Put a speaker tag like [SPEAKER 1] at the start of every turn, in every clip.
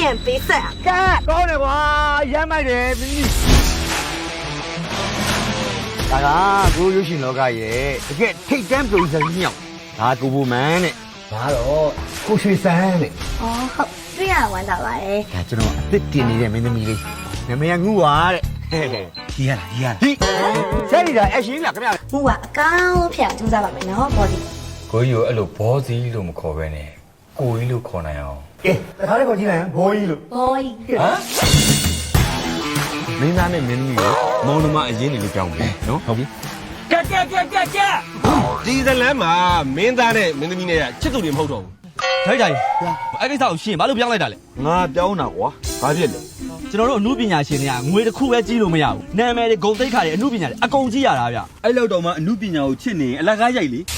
[SPEAKER 1] 面比赛。
[SPEAKER 2] 干，高点哇，烟麦的，大家ကိုရုပ်ရှင်လောကရဲ့တကယ်ထိတ်တန်းပုံစံကြီးမြောက်ဒါကိုဘူမန်နဲ့ဒါတော့ကိုရွှေစန်းနဲ့
[SPEAKER 1] 哦，好，这样玩到了哎。
[SPEAKER 2] ဒါကျွန်တော်အစ်စ်တင်နေတဲ့မင်းသမီးလေးနာမည်ကငူပါတဲ့ကြီးရလားကြီးရလားဟိဆယ်ရီဒါအရှင်လားခင်ဗျာ
[SPEAKER 1] 我啊，刚骗就在外面，然后跑的。
[SPEAKER 3] ကိုကြီးကိုအဲ့လိုဘောစီလို့မခေါ်ပဲနဲ့ကိုကြီးလို့ခေါ်နိုင်အောင်
[SPEAKER 2] ကဲတခါလေးခေါ်ကြည့်လိုက်ဘောကြီးလို့
[SPEAKER 1] 哦，
[SPEAKER 3] ဟမ်မင်းသားနဲ့မင်းသမီးကိုမောင်နှမအရင်နေလို့ကြောင်းမယ်နော်ဟုတ်ပြီ
[SPEAKER 4] ကဲဒီဇလန်မှာမင်းသားနဲ့မင်းသမီးနဲ့ချစ်သူတွေမဟုတ်တော့ဘူး
[SPEAKER 5] ထိုက်ကြကြီးအဲ့ကိစ္စကိုရှင်းဘာလို့ပြောင်းလိုက်တာလဲ
[SPEAKER 2] ငါပြောင်းတာကွာဘာဖြစ်လဲ
[SPEAKER 5] ကျွန်တော်တို့အမှုပညာရှင်တွေကငွေတစ်ခုပဲကြီးလို့မရဘူးနာမည်တွေဂုဏ်သိက္ခာတွေအမှုပညာတွေအကုန်ကြီးရတာဗျအဲ့လောက်တော့မှအမှုပညာကိုချစ်နေအလကားရိုက်လေ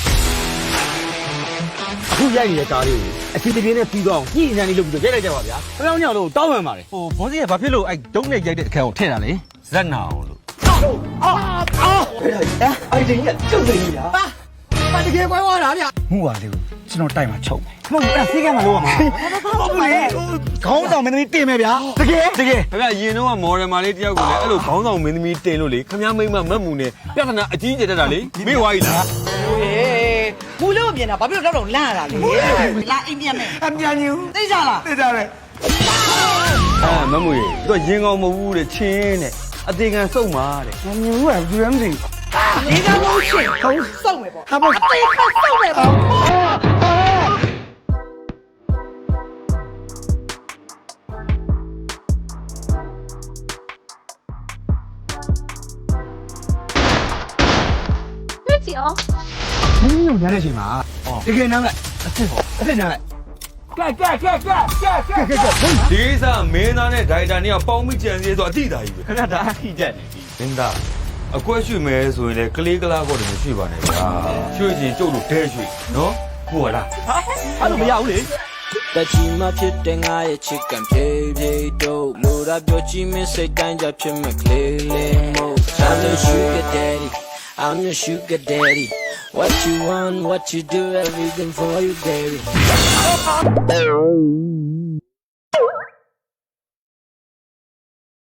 [SPEAKER 2] အခုရိုက်နေတဲ့ကားလေးကိုအစီအပြေနဲ့ပြီးတော့ညှိနှံနေလို့ပြီးတော့ရိုက်လိုက်ကြပါဗျာ
[SPEAKER 5] ခဏညောင်လို့တောင်းပန်ပါတယ်ဟိုဘောစီကဘာဖြစ်လို့အဲ့ဒုံးနဲ့ရိုက်တဲ့အခန်းကိုထည့်တာလဲ
[SPEAKER 3] ဇက်နာအောင်လို့
[SPEAKER 2] အဲ့ဒီကကျုပ်နေပြီလားပါတကယ်ကွဲသွားတာဗျ
[SPEAKER 5] မှုပါလေကျွန်တော်တိုက်မှာချုပ်မယ်
[SPEAKER 2] မဟုတ်ဘူးအဲ့ဆေးကမ်းမှာလို့ရမှာဟုတ်ဘူးလေခေါင်းဆောင်မင်းသမီးတင်မယ်ဗျာတကယ်
[SPEAKER 3] ခင်ဗျာရင်တော့မော်ဒယ်မာလေးတယောက်ကိုလည်းအဲ့လိုခေါင်းဆောင်မင်းသမီးတင်လို့လေခင်ဗျားမိမမတ်မှုနဲ့ပြဿနာအကြီးကျယ်တက်တာလေမေ့ဝါကြီးလား
[SPEAKER 6] မူလို့မြင်တာဘာဖြစ်လို့တော့လန့်ရတာလဲလာအိမ်ပြန်မယ်
[SPEAKER 2] အမြန်ကြီး
[SPEAKER 6] သိကြလား
[SPEAKER 2] သိကြတယ်
[SPEAKER 3] မမွေသူကရင်ကောင်းမဟုတ်ဘူးတဲ့ချင်းတဲ့အသေးခံစုံပါတဲ့
[SPEAKER 2] မမြင်ဘူးကဘူးရမ်းမသိ
[SPEAKER 6] ဒီကလို့ရှိရင်ခုံးစုံမယ်ပေါ့ဟာပေါ့တေးခတ်စုံမယ်ပေါ့
[SPEAKER 1] 对不起哦。
[SPEAKER 2] မင်းတို့ညာတဲ့အချိန်မှာတကယ်နားလိုက်အစ်နားလိုက်
[SPEAKER 3] ဒီကိစ္စမင်းသားနဲ့ဒိုင်တာနဲ့ပေါင်းမိကြံစည်ဆိုအတိတာကြီးပဲ
[SPEAKER 5] ခဏဒါအထိတက်နေပြီ
[SPEAKER 3] မင်းသားအကွက်ရွှေမဲဆိုရင်လေကလေးကလားကောတည်းမရှိပါနဲ့ဗျာရွှေကြီးကျုပ်တို့ဒဲရွှေနော်ဟုတ်လား
[SPEAKER 5] အဲ့လိုမရဘူးလေ
[SPEAKER 7] တချီမဖြစ်တဲ့ငါရဲ့ချစ်ကံဖြည်းဖြည်းတို့လိုရာပြောချင်မစိတ်တိုင်းကြဖြစ်မဲ့ကလေးလေးမို့ I'm your sugar daddy I'm your sugar daddy what you want what you do everything for you baby